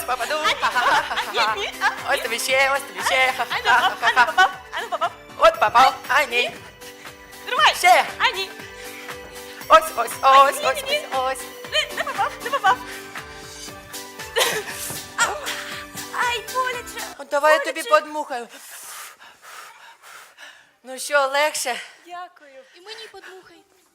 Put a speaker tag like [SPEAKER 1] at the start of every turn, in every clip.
[SPEAKER 1] попаду.
[SPEAKER 2] Ха-ха-ха.
[SPEAKER 1] Ні. Ось тобі ще, ось тобі ще.
[SPEAKER 2] Ану, попав. Ану, попав.
[SPEAKER 1] От попав. А, ні.
[SPEAKER 2] Тримай.
[SPEAKER 1] Ще.
[SPEAKER 2] А, ні.
[SPEAKER 1] Ось, ось, ось,
[SPEAKER 2] Ні,
[SPEAKER 1] ось,
[SPEAKER 2] ні, ні.
[SPEAKER 1] ось.
[SPEAKER 2] Не попав, не попав. Ай, боляче.
[SPEAKER 1] От давай я тобі подмухаю. Ну що, легше?
[SPEAKER 2] Дякую.
[SPEAKER 3] І мені подмухай.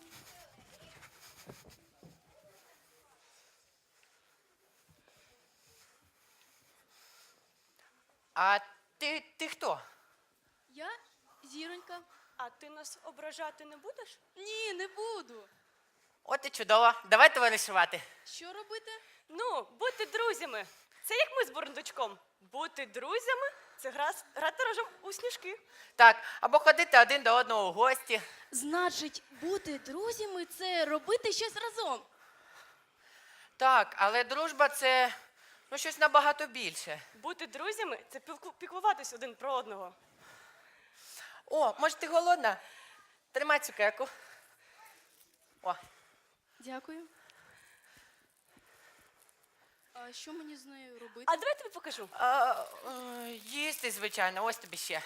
[SPEAKER 1] А ти хто?
[SPEAKER 3] Я зіронька.
[SPEAKER 2] А ти нас ображати не будеш?
[SPEAKER 3] Ні, не буду.
[SPEAKER 1] От і чудово. Давай товаришувати.
[SPEAKER 3] Що робити?
[SPEAKER 2] Ну, бути друзями. Це як ми з Бурундучком. Бути друзями – це грати разом у сніжки.
[SPEAKER 1] Так, або ходити один до одного у гості.
[SPEAKER 3] Значить, бути друзями – це робити щось разом.
[SPEAKER 1] Так, але дружба це щось набагато більше.
[SPEAKER 2] Бути друзями – це піклуватись один про одного.
[SPEAKER 1] О, може ти голодна? Тримай цукерку. О,
[SPEAKER 3] Дякую. А що мені з нею робити?
[SPEAKER 2] А давай я тобі покажу.
[SPEAKER 1] їсти, звичайно, ось тобі ще.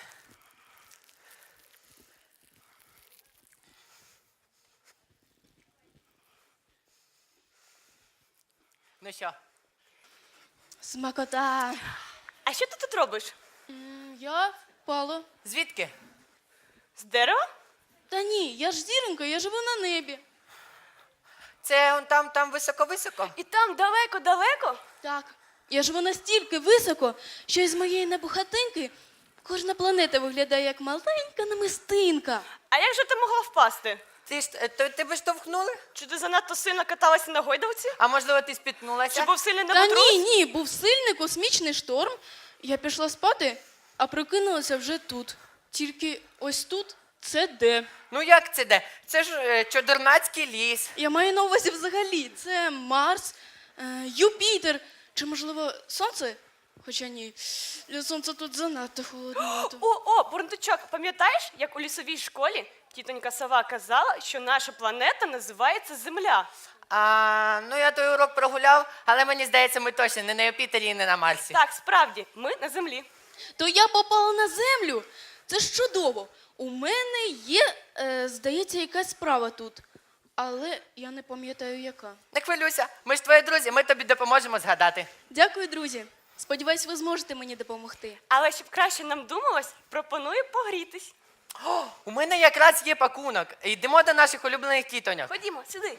[SPEAKER 1] Ну що?
[SPEAKER 3] Смакота.
[SPEAKER 2] А що ти тут робиш?
[SPEAKER 3] Я впала.
[SPEAKER 1] Звідки?
[SPEAKER 2] З дерева?
[SPEAKER 3] Та ні, я ж зіронька, я живу на небі.
[SPEAKER 1] Це он там високо-високо?
[SPEAKER 2] І там далеко-далеко?
[SPEAKER 3] Так, я живу настільки високо, що із моєї небухатинки кожна планета виглядає як маленька намистинка.
[SPEAKER 2] А як же ти могла впасти?
[SPEAKER 1] Тебе штовхнули?
[SPEAKER 2] Чи ти занадто сильно каталася на гойдалці?
[SPEAKER 1] А можливо ти спітнулася?
[SPEAKER 2] Чи був сильний
[SPEAKER 3] Та
[SPEAKER 2] неботрус?
[SPEAKER 3] ні, був сильний космічний шторм. Я пішла спати, а прокинулася вже тут. Тільки ось тут це де?
[SPEAKER 1] Ну як це де? Це ж Чодернацький ліс.
[SPEAKER 3] Я маю на увазі взагалі. Це Марс, Юпітер, чи, можливо, Сонце? Хоча ні, для Сонця тут занадто холодновато.
[SPEAKER 2] О, Бурундучок, пам'ятаєш, як у лісовій школі тітонька Сова казала, що наша планета називається Земля?
[SPEAKER 1] Я той урок прогуляв, але мені здається, ми точно не на Юпітері і не на Марсі.
[SPEAKER 2] Так, справді, ми на Землі.
[SPEAKER 3] То я попала на Землю. Це ж чудово. У мене є, здається, якась справа тут. Але я не пам'ятаю, яка.
[SPEAKER 1] Не хвилюйся, ми ж твої друзі, ми тобі допоможемо згадати.
[SPEAKER 3] Дякую, друзі. Сподіваюсь, ви зможете мені допомогти.
[SPEAKER 2] Але щоб краще нам думалось, пропоную погрітись.
[SPEAKER 1] О, у мене якраз є пакунок. Йдемо до наших улюблених тітоньок.
[SPEAKER 2] Ходімо, сюди.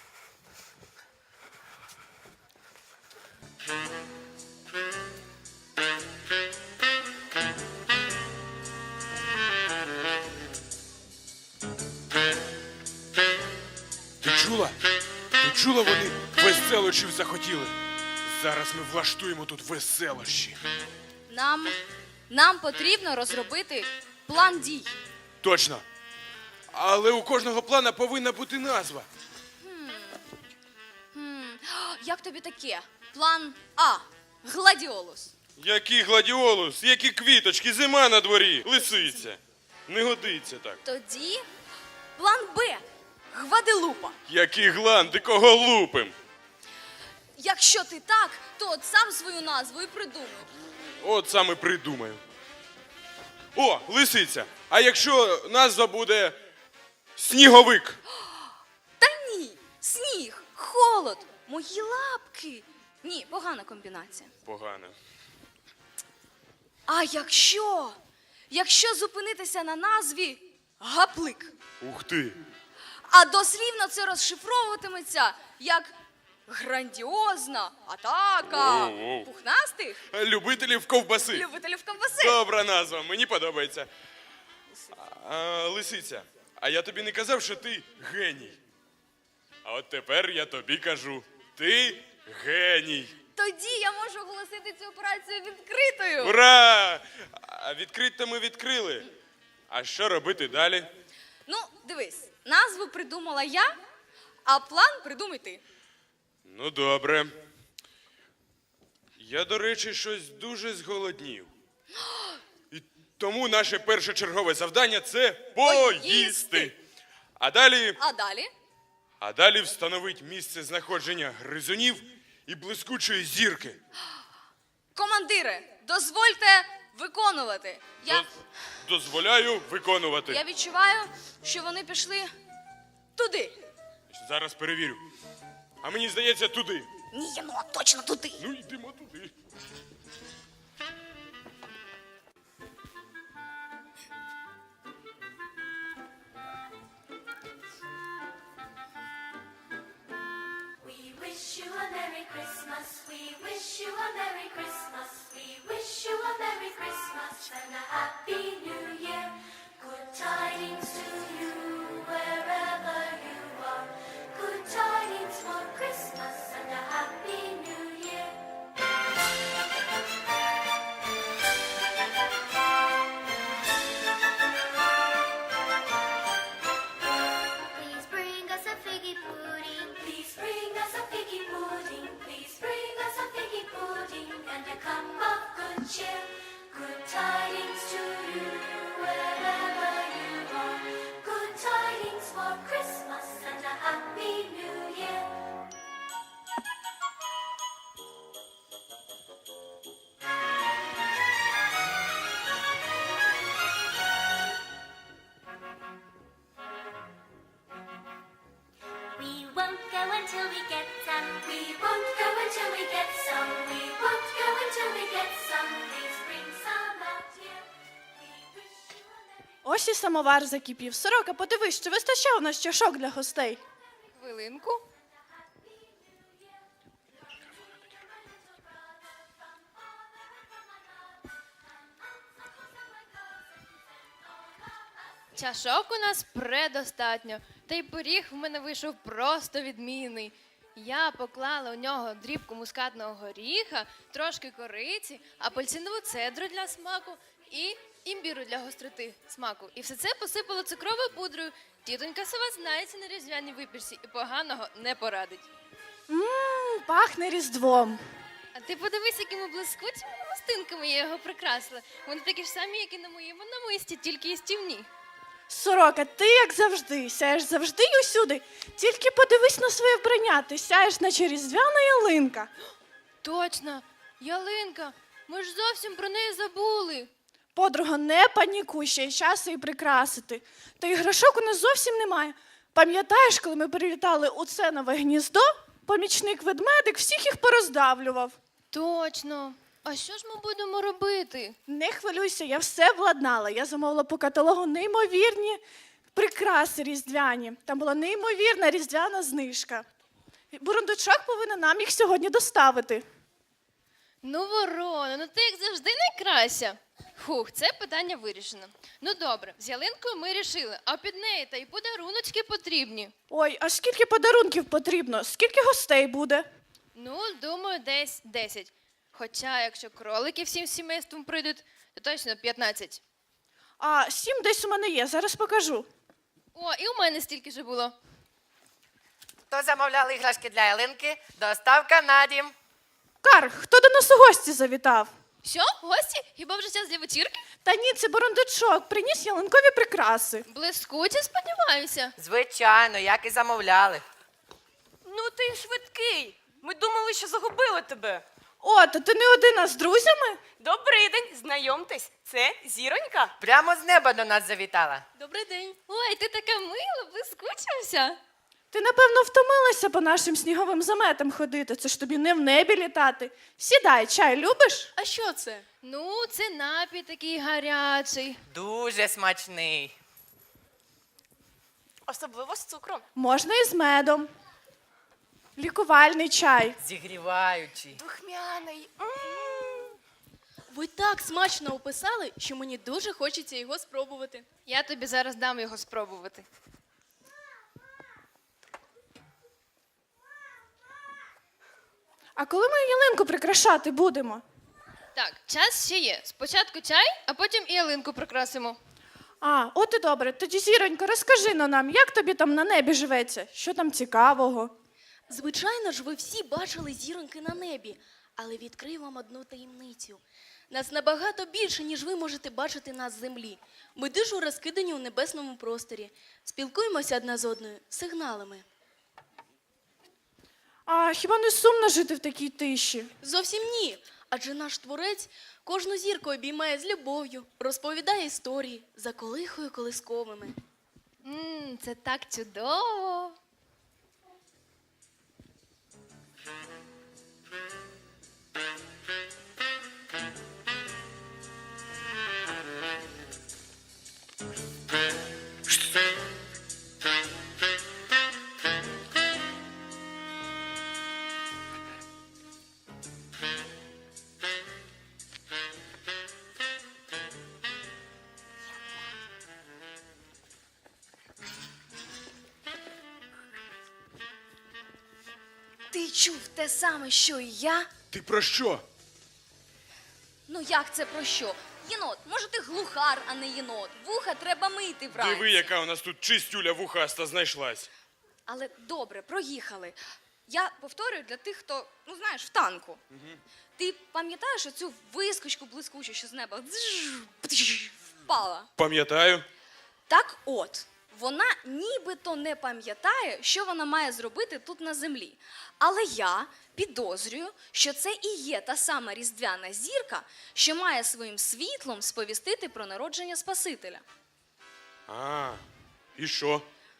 [SPEAKER 4] Ти чула? Ти чула, вони веселощів захотіли? Зараз ми влаштуємо тут веселощі.
[SPEAKER 5] Нам потрібно розробити план дій.
[SPEAKER 4] Точно. Але у кожного плана повинна бути назва.
[SPEAKER 5] Як тобі таке? План А. Гладіолус.
[SPEAKER 4] Який гладіолус, які квіточки, зима на дворі, лисиця. Не годиться так.
[SPEAKER 5] Тоді план Б. Гваделупа.
[SPEAKER 4] Який гланди, кого лупим?
[SPEAKER 5] Якщо ти так, то от сам свою назву і придумай.
[SPEAKER 4] От саме придумаю. О, лисиця. А якщо назва буде сніговик?
[SPEAKER 5] Та ні, сніг, холод, мої лапки. Ні, погана комбінація.
[SPEAKER 4] Погано.
[SPEAKER 5] А якщо зупинитися на назві гаплик,
[SPEAKER 4] Ух ти.
[SPEAKER 5] а дослівно це розшифровуватиметься як грандіозна атака
[SPEAKER 4] Воу-воу.
[SPEAKER 5] пухнастих
[SPEAKER 4] Любителів ковбаси.
[SPEAKER 5] любителів ковбаси.
[SPEAKER 4] Добра назва, мені подобається. Лисиця, а я тобі не казав, що ти геній. А от тепер я тобі кажу, ти геній.
[SPEAKER 5] Тоді я можу оголосити цю операцію відкритою.
[SPEAKER 4] Ура! А відкрито ми відкрили. А що робити далі?
[SPEAKER 5] Ну, дивись, назву придумала я, а план придумай ти.
[SPEAKER 4] Ну, добре. Я, до речі, щось дуже зголоднів. І тому наше першочергове завдання – це поїсти. А далі...
[SPEAKER 5] А далі?
[SPEAKER 4] А далі встановить місце знаходження гризунів і блискучої зірки.
[SPEAKER 5] Командире, дозвольте виконувати.
[SPEAKER 4] Дозволяю виконувати.
[SPEAKER 5] Я відчуваю, що вони пішли туди.
[SPEAKER 4] Зараз перевірю. А мені здається, туди.
[SPEAKER 5] Ні, ну точно туди.
[SPEAKER 4] Ну, йдемо туди.
[SPEAKER 6] We wish you a Merry Christmas. We wish you a Merry Christmas. We wish you a Merry Christmas and a Happy New Year. Good tidings to you wherever you are. Good tidings for Christmas and a Happy New Year. Please bring us a figgy pudding. Please bring us a figgy pudding. Please bring us a figgy pudding and a cup of good cheer. Good tidings to you wherever you are. Good tidings for Christmas and a Happy New Year. We won't go until we get some. We won't go until we get some. We won't go until we get some. Please bring some out here. We wish you a Merry
[SPEAKER 7] Ось і самовар закипів. Сорока, подивись, чи вистачає у нас чашок для гостей?
[SPEAKER 5] Хвилинку.
[SPEAKER 8] Чашок у нас предостатньо, та й пиріг в мене вийшов просто відмінний. Я поклала у нього дрібку мускатного горіха, трошки кориці, апельсинову цедру для смаку і імбіру для гостроти смаку. І все це посипала цукровою пудрою. Тітонька Сова знається на різдвяній випічці і поганого не порадить.
[SPEAKER 7] Пахне Різдвом.
[SPEAKER 8] А ти подивись, якими блискучими намистинками я його прикрасила. Вони такі ж самі, як і на моєму намисті, тільки їстівні.
[SPEAKER 7] Сорока, ти, як завжди, сяєш завжди й усюди. Тільки подивись на своє вбрання, ти сяєш, наче різдвяна ялинка.
[SPEAKER 8] Точно, ялинка, ми ж зовсім про неї забули.
[SPEAKER 7] Подруга, не панікуй, ще й часу і прикрасити. Та й грошок у нас зовсім немає. Пам'ятаєш, коли ми прилітали у це нове гніздо, помічник-ведмедик всіх їх пороздавлював.
[SPEAKER 8] Точно. А що ж ми будемо робити?
[SPEAKER 7] Не хвилюйся, я все владнала. Я замовила по каталогу неймовірні прикраси різдвяні. Там була неймовірна різдвяна знижка. Бурундучок повинен нам їх сьогодні доставити.
[SPEAKER 8] Ну, Ворона, ну ти як завжди найкраща. Хух, це питання вирішено. Ну добре, з ялинкою ми рішили, а під неї та й подаруночки потрібні.
[SPEAKER 7] Ой, а скільки подарунків потрібно? Скільки гостей буде?
[SPEAKER 8] Ну, думаю, десь 10. Хоча, якщо кролики всім сімейством прийдуть, то точно 15.
[SPEAKER 7] А 7 десь у мене є, зараз покажу.
[SPEAKER 8] О, і у мене стільки ж було.
[SPEAKER 1] Хто замовляв іграшки для ялинки? Доставка на дім.
[SPEAKER 7] Кар, хто до нас у гості завітав?
[SPEAKER 8] Що, гості? Хіба вже час для вечірки?
[SPEAKER 7] Та ні, це бурундучок, приніс ялинкові прикраси.
[SPEAKER 8] Блискуче, сподіваюся.
[SPEAKER 1] Звичайно, як і замовляли.
[SPEAKER 2] Ну ти швидкий. Ми думали, що загубили тебе.
[SPEAKER 7] О, та ти не один, а з друзями?
[SPEAKER 2] Добрий день, знайомтесь. Це Зіронька.
[SPEAKER 1] Прямо з неба до нас завітала.
[SPEAKER 8] Добрий день. Ой, ти така мила, блискучився.
[SPEAKER 7] Ти, напевно, втомилася по нашим сніговим заметам ходити. Це ж тобі не в небі літати. Сідай, чай любиш?
[SPEAKER 3] А що це?
[SPEAKER 8] Ну, це напій такий гарячий.
[SPEAKER 1] Дуже смачний.
[SPEAKER 2] Особливо з цукром.
[SPEAKER 7] Можна і з медом. Лікувальний чай.
[SPEAKER 1] Зігріваючий.
[SPEAKER 2] Духмяний.
[SPEAKER 3] Ви так смачно описали, що мені дуже хочеться його спробувати.
[SPEAKER 8] Я тобі зараз дам його спробувати.
[SPEAKER 7] А коли ми ялинку прикрашати будемо?
[SPEAKER 8] Так, час ще є. Спочатку чай, а потім і ялинку прикрасимо.
[SPEAKER 7] А, от і добре. Тоді, Зіронько, розкажи нам, як тобі там на небі живеться? Що там цікавого?
[SPEAKER 3] Звичайно ж, ви всі бачили зіроньки на небі, але відкрию вам одну таємницю. Нас набагато більше, ніж ви можете бачити нас з землі. Ми дуже розкидані у небесному просторі. Спілкуємося одна з одною сигналами.
[SPEAKER 7] А хіба не сумно жити в такій тиші?
[SPEAKER 3] Зовсім ні. Адже наш творець кожну зірку обіймає з любов'ю, розповідає історії, заколихує колисковими.
[SPEAKER 8] Це так чудово.
[SPEAKER 5] Ти чув те саме, що і я?
[SPEAKER 4] Ти про що?
[SPEAKER 5] Ну як це про що? Єнот, може ти глухар, а не єнот. Вуха треба мити вранці.
[SPEAKER 4] Диви, яка у нас тут чистюля вухаста знайшлась.
[SPEAKER 5] Але добре, проїхали. Я повторюю для тих, хто, ну знаєш, в танку. Ти пам'ятаєш оцю вискочку блискучу, що з неба впала?
[SPEAKER 4] Пам'ятаю.
[SPEAKER 5] Так от, вона нібито не пам'ятає, що вона має зробити тут на землі. Але я підозрюю, що це і є та сама різдвяна зірка, що має своїм світлом сповістити про народження Спасителя.
[SPEAKER 4] А, і що?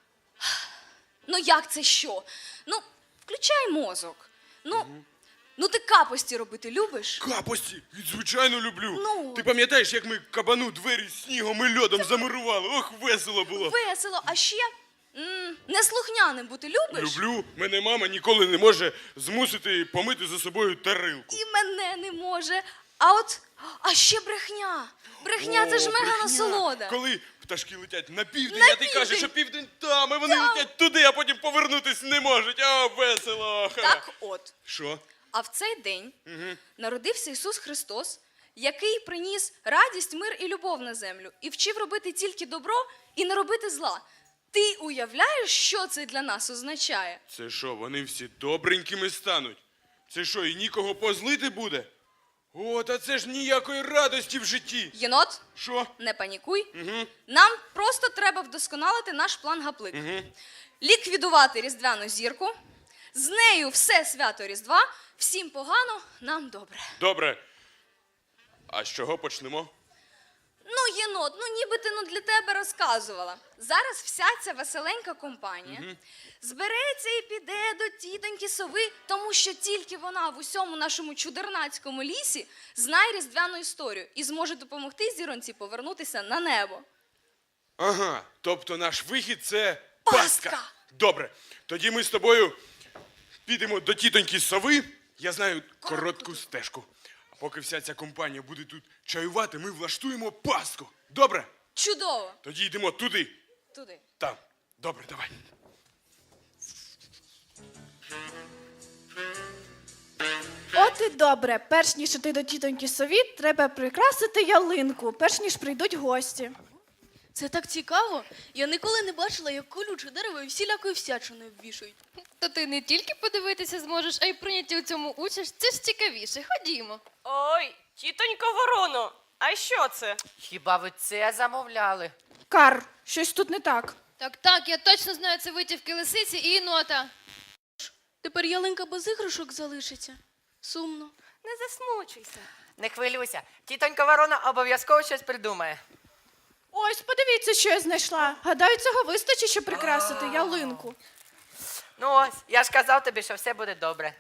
[SPEAKER 5] Ну як це що? Ну, включай мозок. Ну ти капості робити любиш?
[SPEAKER 4] Капості, звичайно, люблю.
[SPEAKER 5] Ну.
[SPEAKER 4] Ти пам'ятаєш, як ми кабану двері снігом і льодом замурували? Ох, весело було.
[SPEAKER 5] Весело, а ще неслухняним бути любиш?
[SPEAKER 4] Люблю. Мене мама ніколи не може змусити помити за собою тарилку.
[SPEAKER 5] І мене не може. А ще брехня. Брехня це ж
[SPEAKER 4] О,
[SPEAKER 5] мега
[SPEAKER 4] брехня.
[SPEAKER 5] насолода.
[SPEAKER 4] Коли пташки летять на південь,
[SPEAKER 5] На
[SPEAKER 4] а ти кажеш,
[SPEAKER 5] південь.
[SPEAKER 4] що південь там, і вони летять туди, а потім повернутись не можуть. О, весело. Ха.
[SPEAKER 5] Так от.
[SPEAKER 4] Що?
[SPEAKER 5] А в цей день народився Ісус Христос, який приніс радість, мир і любов на землю, і вчив робити тільки добро і не робити зла. Ти уявляєш, що це для нас означає?
[SPEAKER 4] Це що, вони всі добренькими стануть? Це що, і нікого позлити буде? О, та це ж ніякої радості в житті.
[SPEAKER 5] Єнот,
[SPEAKER 4] Що?
[SPEAKER 5] не панікуй. Нам просто треба вдосконалити наш план гаплик. Ліквідувати різдвяну зірку. З нею все свято Різдва. Всім погано, нам добре.
[SPEAKER 4] Добре. А з чого почнемо?
[SPEAKER 5] Ну, єнот, ніби ти для тебе розказувала. Зараз вся ця веселенька компанія збереться і піде до тітоньки сови, тому що тільки вона в усьому нашому чудернацькому лісі знає різдвяну історію і зможе допомогти зіронці повернутися на небо.
[SPEAKER 4] Ага, тобто наш вихід – це
[SPEAKER 5] Пастка.
[SPEAKER 4] пастка. Добре, тоді ми з тобою підемо до тітоньки сови. Я знаю коротку стежку. А поки вся ця компанія буде тут чаювати, ми влаштуємо пастку. Добре?
[SPEAKER 5] Чудово!
[SPEAKER 4] Тоді йдемо туди.
[SPEAKER 5] Туди.
[SPEAKER 4] Там. Добре, давай.
[SPEAKER 7] От і добре. Перш ніж іти до тітоньки сові, треба прикрасити ялинку, перш ніж прийдуть гості.
[SPEAKER 3] Це так цікаво. Я ніколи не бачила, як колюче дерево і всілякою всячиною обвішують.
[SPEAKER 8] То ти не тільки подивитися зможеш, а й прийняти у цьому участь. Це ж цікавіше. Ходімо.
[SPEAKER 2] Ой, тітонько Вороно, а що це?
[SPEAKER 1] Хіба ви це замовляли?
[SPEAKER 7] Кар, щось тут не так.
[SPEAKER 8] Так, я точно знаю, це витівки лисиці і єнота.
[SPEAKER 3] Тепер ялинка без іграшок залишиться. Сумно.
[SPEAKER 2] Не засмучуйся.
[SPEAKER 1] Не хвилюйся. Тітонька Ворона обов'язково щось придумає.
[SPEAKER 7] Ось, подивіться, що я знайшла. Гадаю, цього вистачить, щоб прикрасити ялинку.
[SPEAKER 1] Ну ось, я ж казав тобі, що все буде добре.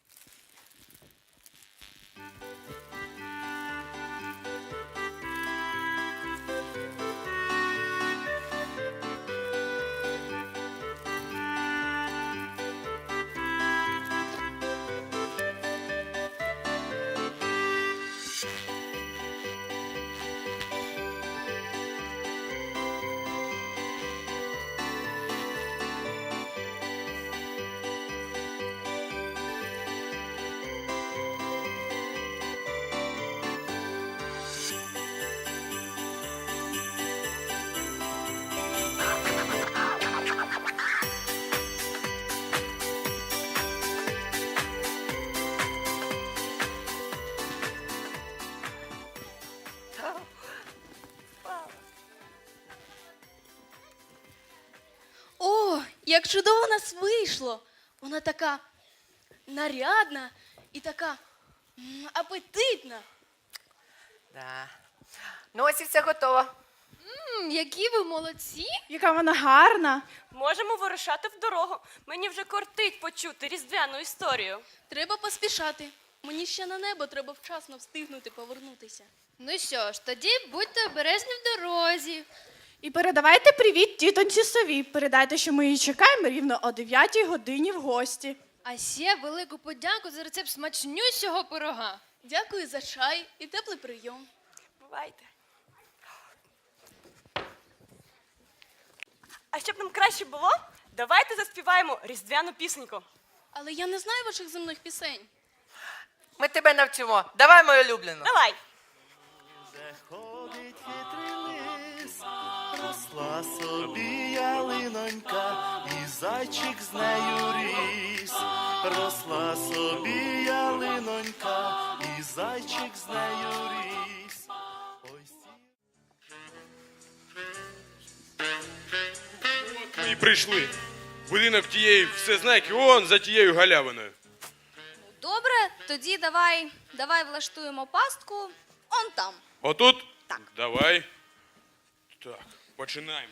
[SPEAKER 3] О, як чудово у нас вийшло! Вона така нарядна і така Апетитна.
[SPEAKER 1] Да. Ну ось і все готово.
[SPEAKER 8] Які ви молодці!
[SPEAKER 7] Яка вона гарна.
[SPEAKER 2] Можемо вирушати в дорогу. Мені вже кортить почути різдвяну історію.
[SPEAKER 3] Треба поспішати. Мені ще на небо треба вчасно встигнути повернутися.
[SPEAKER 8] Ну що ж, тоді будьте обережні в дорозі.
[SPEAKER 7] І передавайте привіт тітоньці сові. Передайте, що ми її чекаємо рівно о 9 годині в гості.
[SPEAKER 8] А ще велику подяку за рецепт смачнющого пирога.
[SPEAKER 3] Дякую за чай і теплий прийом.
[SPEAKER 2] Бувайте. А щоб нам краще було, давайте заспіваємо різдвяну пісеньку.
[SPEAKER 3] Але я не знаю ваших земних пісень.
[SPEAKER 1] Ми тебе навчимо. Давай, мою улюблену.
[SPEAKER 2] Давай.
[SPEAKER 9] Де ходить хитрий лис, росла собі ялинонька, і зайчик з нею ріс. Росла собі ялинонька, і зайчик з нею ріс. Ой,
[SPEAKER 4] От ми і прийшли. Будинок тієї всезнайки, он за тією галявиною.
[SPEAKER 5] Добре, тоді давай влаштуємо пастку он там.
[SPEAKER 4] Отут?
[SPEAKER 5] Так.
[SPEAKER 4] Давай. Так, починаємо.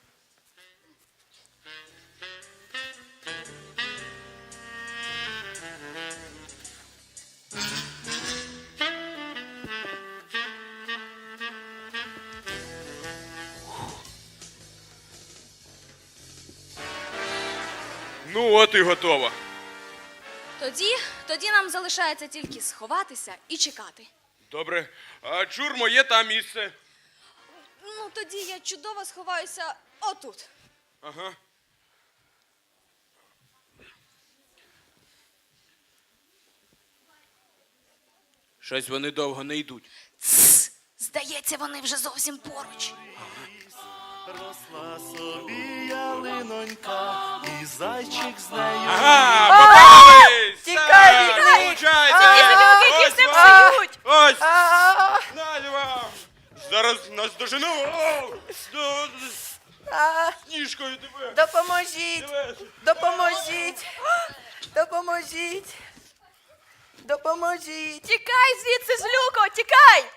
[SPEAKER 4] Ну, от і готово.
[SPEAKER 5] Тоді нам залишається тільки сховатися і чекати.
[SPEAKER 4] Добре. А чур, моє там місце.
[SPEAKER 5] Ну, тоді я чудово сховаюся отут.
[SPEAKER 4] Ага. Щось вони довго не йдуть.
[SPEAKER 5] Здається, вони вже зовсім поруч.
[SPEAKER 9] росла собі ялинонька, і зайчик з нею ріс.
[SPEAKER 4] Ага, попались!
[SPEAKER 1] Тікай,
[SPEAKER 4] Так,
[SPEAKER 1] тікай!
[SPEAKER 4] вилучайте!
[SPEAKER 2] Які
[SPEAKER 4] Ось
[SPEAKER 2] все
[SPEAKER 4] вам!
[SPEAKER 2] псують!
[SPEAKER 4] Ось!
[SPEAKER 1] А,
[SPEAKER 4] Надя вам! Зараз нас дожену! О!
[SPEAKER 1] а,
[SPEAKER 4] Сніжкою тебе!
[SPEAKER 1] Допоможіть!
[SPEAKER 4] Тебе!
[SPEAKER 1] Допоможіть! Допоможіть! Допоможіть!
[SPEAKER 2] Тікай звідси, злюко, тікай!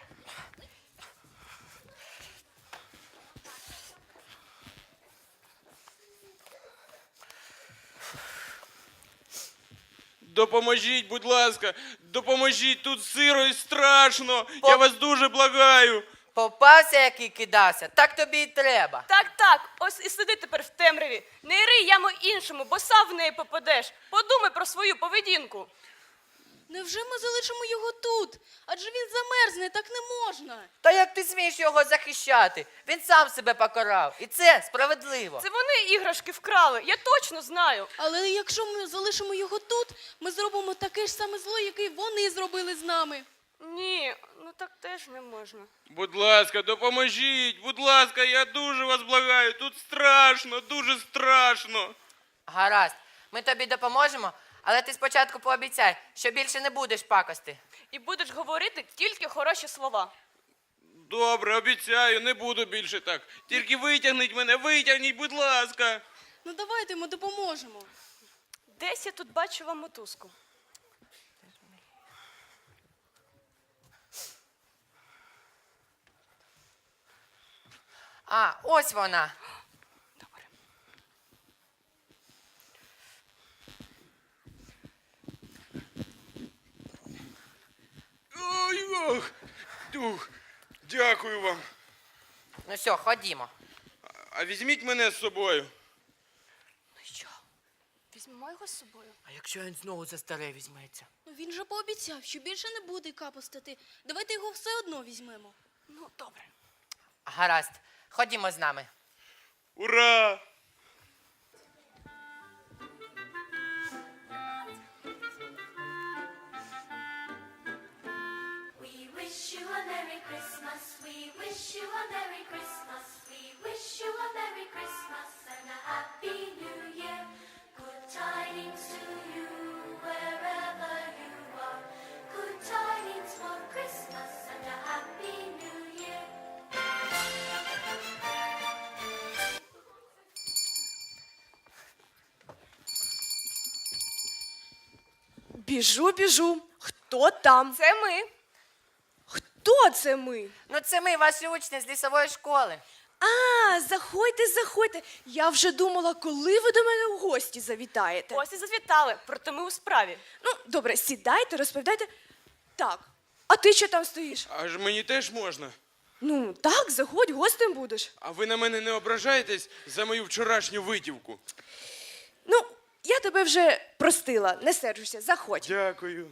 [SPEAKER 4] Допоможіть, будь ласка! Допоможіть! Тут сиро і страшно! Я вас дуже благаю!
[SPEAKER 1] Попався, який кидався, так тобі і треба.
[SPEAKER 2] Так, ось і сиди тепер в темряві. Не ри яму іншому, бо сам в неї попадеш. Подумай про свою поведінку.
[SPEAKER 3] Невже ми залишимо його тут? Адже він замерзне, так не можна.
[SPEAKER 1] Та як ти смієш його захищати? Він сам себе покарав. І це справедливо.
[SPEAKER 2] Це вони іграшки вкрали, я точно знаю.
[SPEAKER 3] Але якщо ми залишимо його тут, ми зробимо таке ж саме зло, яке й вони зробили з нами.
[SPEAKER 2] Ні, ну так теж не можна.
[SPEAKER 4] Будь ласка, допоможіть! Будь ласка, я дуже вас благаю! Тут страшно, дуже страшно!
[SPEAKER 1] Гаразд, ми тобі допоможемо, але ти спочатку пообіцяй, що більше не будеш пакости.
[SPEAKER 2] І будеш говорити тільки хороші слова.
[SPEAKER 4] Добре, обіцяю, не буду більше так. Тільки витягніть мене, витягніть, будь ласка.
[SPEAKER 3] Ну давайте ми допоможемо.
[SPEAKER 2] Десь я тут бачу вам мотузку.
[SPEAKER 1] А, ось вона.
[SPEAKER 2] Добре.
[SPEAKER 4] Ой, ох, дух, дякую вам.
[SPEAKER 1] Ну що, ходімо.
[SPEAKER 4] А візьміть мене з собою.
[SPEAKER 2] Ну що, візьмемо його з собою?
[SPEAKER 1] А якщо він знову за старе візьметься?
[SPEAKER 3] Ну він же пообіцяв, що більше не буде капостити. Давайте його все одно візьмемо.
[SPEAKER 2] Ну, добре.
[SPEAKER 1] Гаразд, ходімо з нами.
[SPEAKER 4] Ура!
[SPEAKER 6] We wish you a Merry Christmas. We wish you a Merry Christmas. We wish you a Merry Christmas and a Happy New Year. Good tidings to you wherever you are. Good tidings for Christmas and a Happy New Year.
[SPEAKER 2] Біжу.
[SPEAKER 10] Хто там?
[SPEAKER 2] Це ми.
[SPEAKER 10] Хто це ми?
[SPEAKER 1] Ну це ми, ваші учні з лісової школи.
[SPEAKER 10] А, заходьте, заходьте. Я вже думала, коли ви до мене в гості завітаєте.
[SPEAKER 2] Ось і завітали, проте ми у справі.
[SPEAKER 10] Ну, добре, сідайте, розповідайте. Так, а ти що там стоїш?
[SPEAKER 4] Аж мені теж можна.
[SPEAKER 10] Ну, так, заходь, гостем будеш.
[SPEAKER 4] А ви на мене не ображаєтесь за мою вчорашню витівку?
[SPEAKER 10] Ну, я тебе вже простила, не сержуся, заходь.
[SPEAKER 4] Дякую.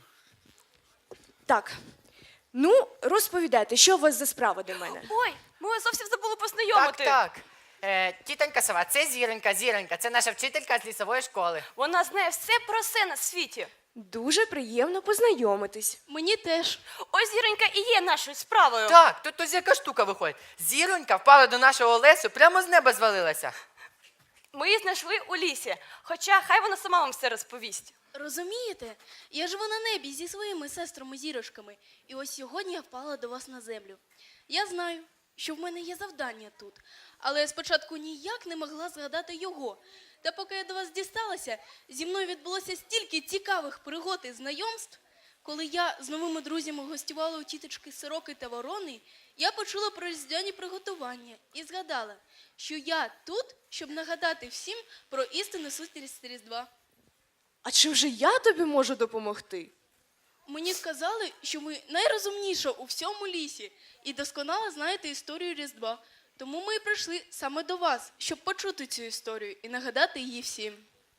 [SPEAKER 10] Так, ну, розповідайте, що у вас за справа до мене?
[SPEAKER 2] Ой, ми вас зовсім забули
[SPEAKER 1] Так,
[SPEAKER 2] познайомити.
[SPEAKER 1] так. Тітонька Сова, це Зіронька, Зіронька. Це наша вчителька з лісової школи.
[SPEAKER 2] Вона знає все про все на світі.
[SPEAKER 10] Дуже приємно познайомитись.
[SPEAKER 3] Мені теж.
[SPEAKER 2] Ось Зіронька і є нашою справою.
[SPEAKER 1] Так, тут ось яка штука виходить. Зіронька впала до нашого лесу, прямо з неба звалилася.
[SPEAKER 2] Ми її знайшли у лісі, хоча хай вона сама вам все розповість.
[SPEAKER 3] Розумієте? Я живу на небі зі своїми сестрами-зірочками. І ось сьогодні я впала до вас на землю. Я знаю, що в мене є завдання тут. Але я спочатку ніяк не могла згадати його. Та поки я до вас дісталася, зі мною відбулося стільки цікавих пригод і знайомств. Коли я з новими друзями гостювала у тіточки Сороки та Ворони, я почула про різдвяні приготування і згадала, що я тут, щоб нагадати всім про істинну сутність Різдва.
[SPEAKER 10] А чим же я тобі можу допомогти?
[SPEAKER 3] Мені сказали, що ви найрозумніша у всьому лісі і досконало знаєте історію Різдва. Тому ми і прийшли саме до вас, щоб почути цю історію і нагадати її всім.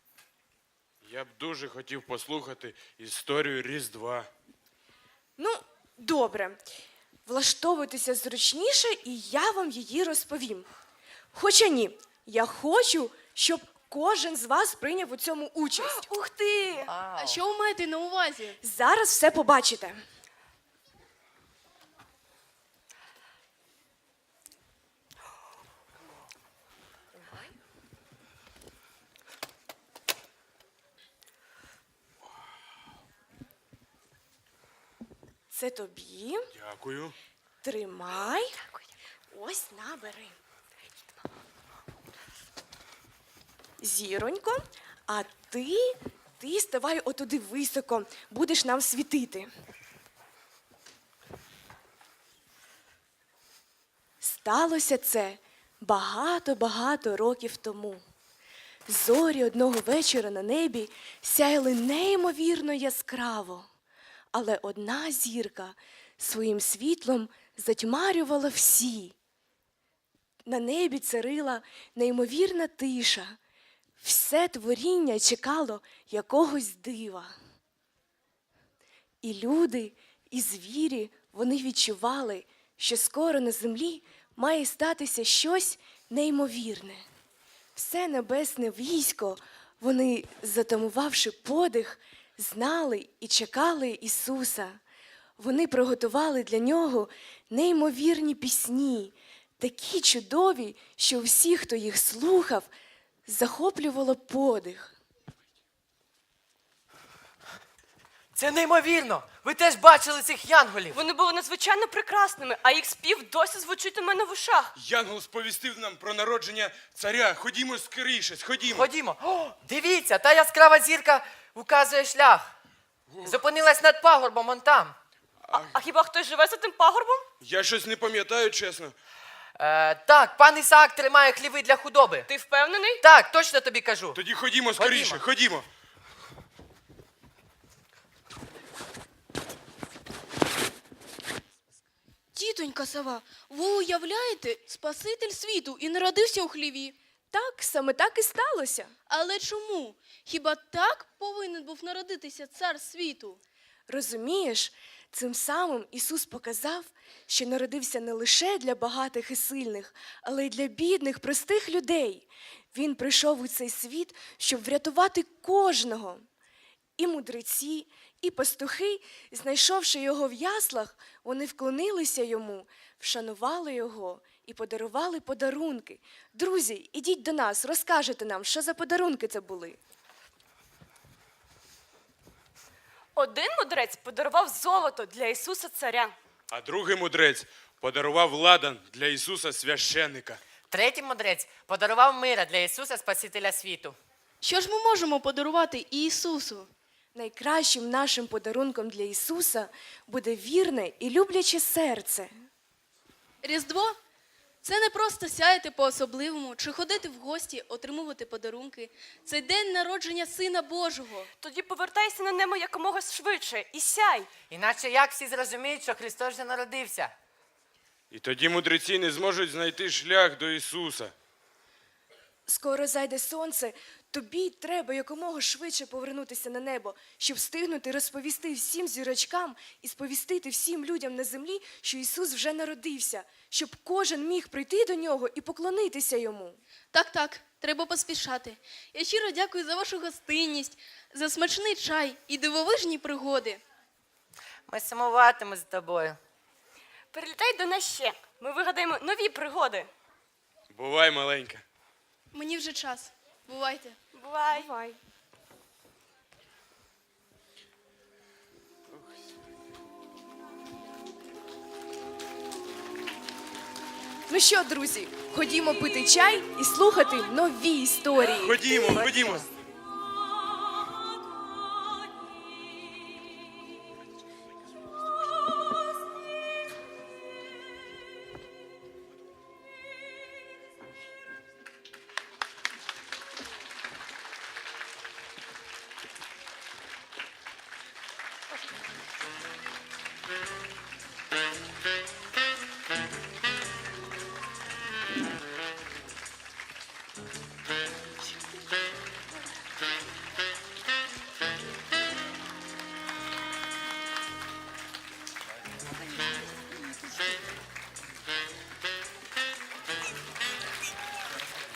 [SPEAKER 4] Я б дуже хотів послухати історію Різдва.
[SPEAKER 10] Ну, добре. Влаштовуйтеся зручніше, і я вам її розповім. Хоча ні, я хочу, щоб кожен з вас прийняв у цьому участь.
[SPEAKER 2] Ух ти!
[SPEAKER 3] А що ви маєте на увазі?
[SPEAKER 10] Зараз все побачите. Це тобі.
[SPEAKER 4] Дякую.
[SPEAKER 10] Тримай. Ось набери. Зіронько, а ти ставай отуди високо, будеш нам світити. Сталося це багато-багато років тому. Зорі одного вечора на небі сяяли неймовірно яскраво, але одна зірка своїм світлом затьмарювала всі. На небі царила неймовірна тиша. Все творіння чекало якогось дива. І люди, і звірі, вони відчували, що скоро на землі має статися щось неймовірне. Все небесне військо, вони, затамувавши подих, знали і чекали Ісуса. Вони приготували для нього неймовірні пісні, такі чудові, що всі, хто їх слухав, захоплювало подих.
[SPEAKER 1] Це неймовірно! Ви теж бачили цих янголів!
[SPEAKER 2] Вони були надзвичайно прекрасними, а їх спів досі звучить у мене в ушах.
[SPEAKER 4] Янгол сповістив нам про народження царя. Ходімо скоріше, ходімо.
[SPEAKER 1] Ходімо. О, дивіться, та яскрава зірка указує шлях. Зупинилась над пагорбом он там.
[SPEAKER 2] А хіба хтось живе за тим пагорбом?
[SPEAKER 4] Я щось не пам'ятаю, чесно.
[SPEAKER 1] Так, пан Ісаак тримає хліви для худоби.
[SPEAKER 2] Ти впевнений?
[SPEAKER 1] Так, точно тобі кажу.
[SPEAKER 4] Тоді ходімо скоріше, ходімо.
[SPEAKER 3] Тітонька Сова, ви уявляєте, Спаситель світу і народився у хліві.
[SPEAKER 10] Так, саме так і сталося.
[SPEAKER 3] Але чому? Хіба так повинен був народитися цар світу?
[SPEAKER 10] Розумієш, цим самим Ісус показав, що народився не лише для багатих і сильних, але й для бідних, простих людей. Він прийшов у цей світ, щоб врятувати кожного. І мудреці, і пастухи, знайшовши його в яслах, вони вклонилися йому, вшанували його і подарували подарунки. Друзі, ідіть до нас, розкажете нам, що за подарунки це були.
[SPEAKER 2] Один мудрець подарував золото для Ісуса царя.
[SPEAKER 4] А другий мудрець подарував ладан для Ісуса священника.
[SPEAKER 1] Третій мудрець подарував мира для Ісуса Спасителя світу.
[SPEAKER 3] Що ж ми можемо подарувати Ісусу?
[SPEAKER 10] найкращим нашим подарунком для Ісуса буде вірне і любляче серце.
[SPEAKER 3] Різдво це не просто сяяти по-особливому чи ходити в гості, отримувати подарунки. Це день народження Сина Божого.
[SPEAKER 2] Тоді повертайся на небо якомога швидше і сяй.
[SPEAKER 1] Іначе як всі зрозуміють, що Христос вже народився?
[SPEAKER 4] І тоді мудреці не зможуть знайти шлях до Ісуса.
[SPEAKER 10] Скоро зайде сонце, тобі треба якомога швидше повернутися на небо, щоб встигнути розповісти всім зірочкам і сповістити всім людям на землі, що Ісус вже народився, щоб кожен міг прийти до нього і поклонитися йому.
[SPEAKER 3] Так, треба поспішати. Я щиро дякую за вашу гостинність, за смачний чай і дивовижні пригоди.
[SPEAKER 1] Ми сумуватимемо з тобою.
[SPEAKER 2] Прилітай до нас ще. Ми вигадаємо нові пригоди.
[SPEAKER 4] Бувай, маленька.
[SPEAKER 3] Мені вже час. Бувайте.
[SPEAKER 2] Бувай.
[SPEAKER 10] Бувай. Ну що, друзі, ходімо пити чай і слухати нові історії.
[SPEAKER 4] Ходімо.